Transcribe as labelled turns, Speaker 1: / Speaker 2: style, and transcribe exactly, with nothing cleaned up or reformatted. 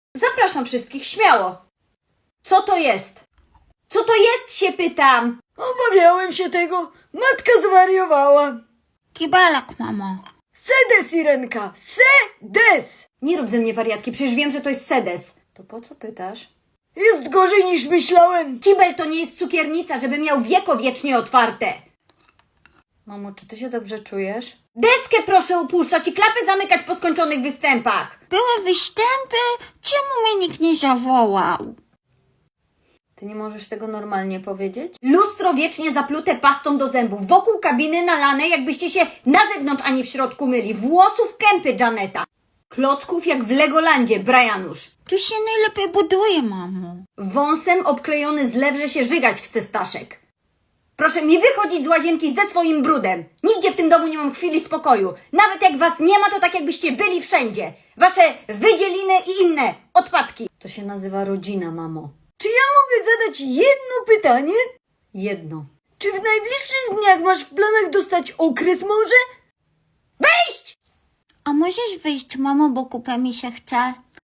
Speaker 1: Zapraszam wszystkich, śmiało. Co to jest? Co to jest, się pytam?
Speaker 2: Obawiałem się tego. Matka zwariowała.
Speaker 3: Kibelek, mamo.
Speaker 2: Sedes, Irenka, sedes!
Speaker 1: Nie rób ze mnie wariatki, przecież wiem, że to jest sedes. To po co pytasz?
Speaker 2: Jest gorzej niż myślałem.
Speaker 1: Kibel to nie jest cukiernica, żeby miał wieko wiecznie otwarte. Mamo, czy ty się dobrze czujesz? Deskę proszę upuszczać i klapy zamykać po skończonych występach.
Speaker 3: Były występy? Czemu mnie nikt nie zawołał?
Speaker 1: Ty nie możesz tego normalnie powiedzieć? Lustro wiecznie zaplute pastą do zębów, wokół kabiny nalane, jakbyście się na zewnątrz, a nie w środku myli. Włosów kępy Janeta. Klocków jak w Legolandzie, Brianusz.
Speaker 3: Tu się najlepiej buduje, mamo.
Speaker 1: Wąsem obklejony zlew, że się żygać chce Staszek. Proszę mi wychodzić z łazienki ze swoim brudem. Nigdzie w tym domu nie mam chwili spokoju. Nawet jak was nie ma, to tak jakbyście byli wszędzie. Wasze wydzieliny i inne odpadki. To się nazywa rodzina, mamo.
Speaker 2: Czy ja mogę zadać jedno pytanie?
Speaker 1: Jedno.
Speaker 2: Czy w najbliższych dniach masz w planach dostać okres może?
Speaker 1: Wyjść!
Speaker 3: A możesz wyjść, mamo, bo kupę mi się chce?